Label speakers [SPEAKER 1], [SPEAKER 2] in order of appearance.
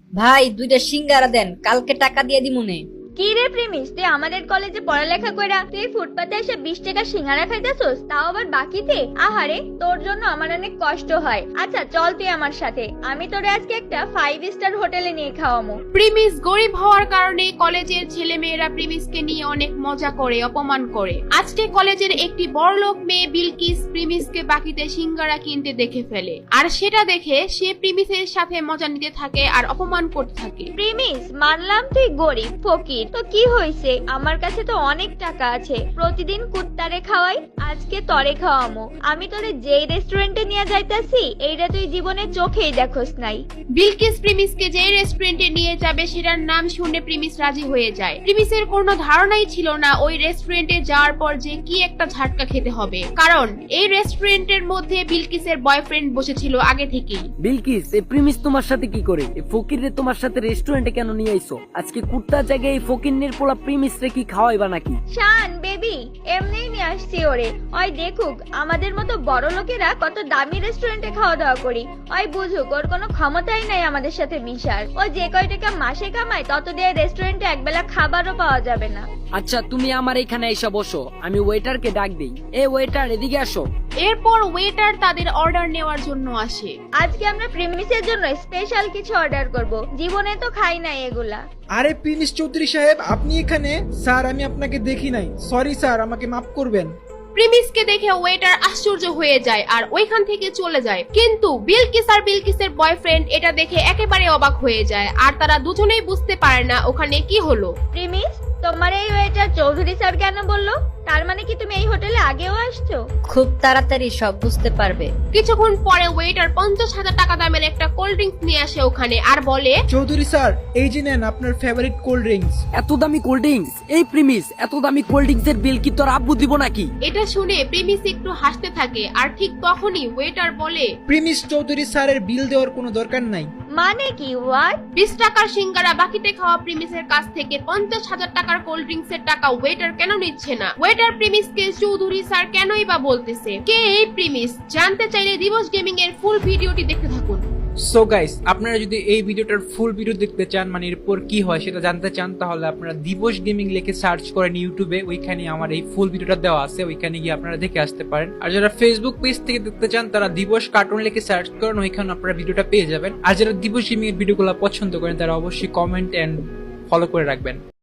[SPEAKER 1] ভাই দুইটা সিঙ্গারা দেন, কালকে টাকা দিয়ে দিমুনে।
[SPEAKER 2] কি রে প্রেমিস, তুই আমাদের কলেজে পড়ালেখা কইরা তুই ফুটপাতে এসে 20 টাকা সিঙ্গারা খাইতেছস, তাও আবার বাকিতে? আহারে, তোর জন্য আমার অনেক কষ্ট হয়। আচ্ছা চল তুই আমার সাথে, আমি তোরে আজকে একটা 5 স্টার হোটেলে নিয়ে খাওয়ামু।
[SPEAKER 3] প্রিমিস গরিব হওয়ার কারণে কলেজের ছেলেমেয়েরা প্রিমিসকে নিয়ে অনেক মজা করে, অপমান করে। আজকে কলেজের একটি বড়লোক মেয়ে বিলকিস প্রিমিসকে বাকিতে সিঙ্গারা কিনতে দেখে ফেলে, আর সেটা দেখে সে প্রিমিসের সাথে মজা নিতে থাকে আর অপমান করতে থাকে।
[SPEAKER 2] প্রেমিস, মানলাম তুই গরিব ফকির, তো কি হইছে, আমার কাছে তো অনেক টাকা আছে, প্রতিদিন কুত্তারে খাওয়াই, আজকে তরে খাওয়ামু। আমি তোরে যেই রেস্টুরেন্টে নিয়ে যাইতাছি এইটা তুই জীবনে চোখেই দেখোস নাই।
[SPEAKER 3] বিলকিস প্রিমিসকে যে রেস্টুরেন্টে নিয়ে যাবে সেটার নাম শুনে প্রিমিস রাজি হয়ে যায়। প্রিমিসের কোনো ধারণাই ছিল না ওই রেস্টুরেন্টে যাওয়ার পর যে কি একটা ঝাটকা খেতে হবে, কারণ এই রেস্টুরেন্টের মধ্যে বিলকিসের বয়ফ্রেন্ড বসেছিল আগে থেকেই।
[SPEAKER 4] বিলকিস, এই প্রিমিস তোমার সাথে কি করে? এই ফকির রে তোমার সাথে রেস্টুরেন্টে কেন নিয়ে আইছো? আজকে কুত্তার জায়গায় এই ফকিরনির পোলা প্রিমিস রে কি খাওয়াইবা নাকি?
[SPEAKER 2] শান বেবি, এমনিই নিয়ে আসছি ওরে, ওই দেখুক আমাদের মতো বড় লোকেরা কত দামি রেস্টুরেন্টে খাওয়া দাওয়া করি, ওই বুঝুক ওর কোনো ক্ষমতাই নাই আমাদের সাথে মিশার। ও যে কয় টাকা মাসে কামায় তত দিয়ে রেস্টুরেন্টে একবেলা খাবারও পাওয়া যাবে না।
[SPEAKER 4] আচ্ছা তুমি আমার এখানে এসে বসো, আমি ওয়েটারকে ডাক দেই। এ ওয়েটার, এদিকে আসো।
[SPEAKER 3] এরপর ওয়েটার তাদের অর্ডার নেওয়ার জন্য আসে।
[SPEAKER 2] আজকে আমরা প্রিমিসের জন্য স্পেশাল কিছু অর্ডার করব, জীবনে তো খাই নাই এগুলা।
[SPEAKER 5] আরে প্রিমিস চৌধুরী সাহেব, আপনি এখানে? স্যার আমি আপনাকে দেখি নাই, সরি স্যার, আমাকে মাফ করবেন।
[SPEAKER 3] প্রিমিসকে দেখে ওয়েটার আশ্চর্য হয়ে যায় আর ওইখান থেকে চলে যায়, কিন্তু বিলকিস আর বিলকিসের বয়ফ্রেন্ড এটা দেখে একেবারে অবাক হয়ে যায়, আর তারা দুজনেই বুঝতে পারে না ওখানে কি হলো।
[SPEAKER 2] প্রিমিস, তোমার এই ওয়েটার চৌধুরী স্যার কেন বললো? তার মানে কি তুমি এই হোটেলে আগেও আসছো?
[SPEAKER 1] খুব তাড়াতাড়ি সব বুঝতে পারবে।
[SPEAKER 3] কিছুক্ষণ পরে ওয়েটার 50,000 টাকা দামের একটা কোল্ড ড্রিঙ্কস নিয়ে আসে ওখানে আর বলে,
[SPEAKER 5] চৌধুরী স্যার, এই যে নেন আপনার ফেভারিট কোল্ড ড্রিঙ্কস।
[SPEAKER 4] এত দামি কোল্ড ড্রিঙ্কস? এই প্রিমিস, এত দামি কোল্ড ড্রিঙ্কস এর বিল কি তোর আব্বু দিব নাকি?
[SPEAKER 3] এটা শুনে প্রিমিস একটু হাসতে থাকে, আর ঠিক তখনই ওয়েটার বলে,
[SPEAKER 5] প্রিমিস চৌধুরী স্যারের বিল দেওয়ার কোনো দরকার নাই।
[SPEAKER 2] মানে কি? হোয়াট?
[SPEAKER 3] 20 টাকার সিঙ্গারা বাকিতে খাওয়া প্রিমিসের কাছ থেকে 50,000 টাকার কোল্ড ড্রিঙ্কস এর টাকা ওয়েটার কেন নিচ্ছে না? ওয়েটার প্রিমিসকে চৌধুরী স্যার কেনই বা বলতেছে? কে এই প্রিমিস? জানতে চাইলে দিবস গেমিং এর ফুল ভিডিওটি দেখতে থাকুন।
[SPEAKER 5] সো গাইস, আপনারা যদি এই ভিডিওটার ফুল ভিডিও দেখতে চান, মানে এরপর কি হয় সেটা জানতে চান, তাহলে আপনারা দিবস গেমিং লিখে সার্চ করেন ইউটিউবে, ওইখানে আমার এই ফুল ভিডিওটা দেওয়া আছে, ওইখানে গিয়ে আপনারা দেখে আসতে পারেন। আর যারা ফেসবুক পেজ থেকে দেখতে চান তারা দিবস কার্টুন লিখে সার্চ করেন, ওইখানে আপনারা ভিডিওটা পেয়ে যাবেন। আর যারা দিবস গেমিং এর ভিডিওগুলো পছন্দ করেন তারা অবশ্যই কমেন্ট এন্ড ফলো করে রাখবেন।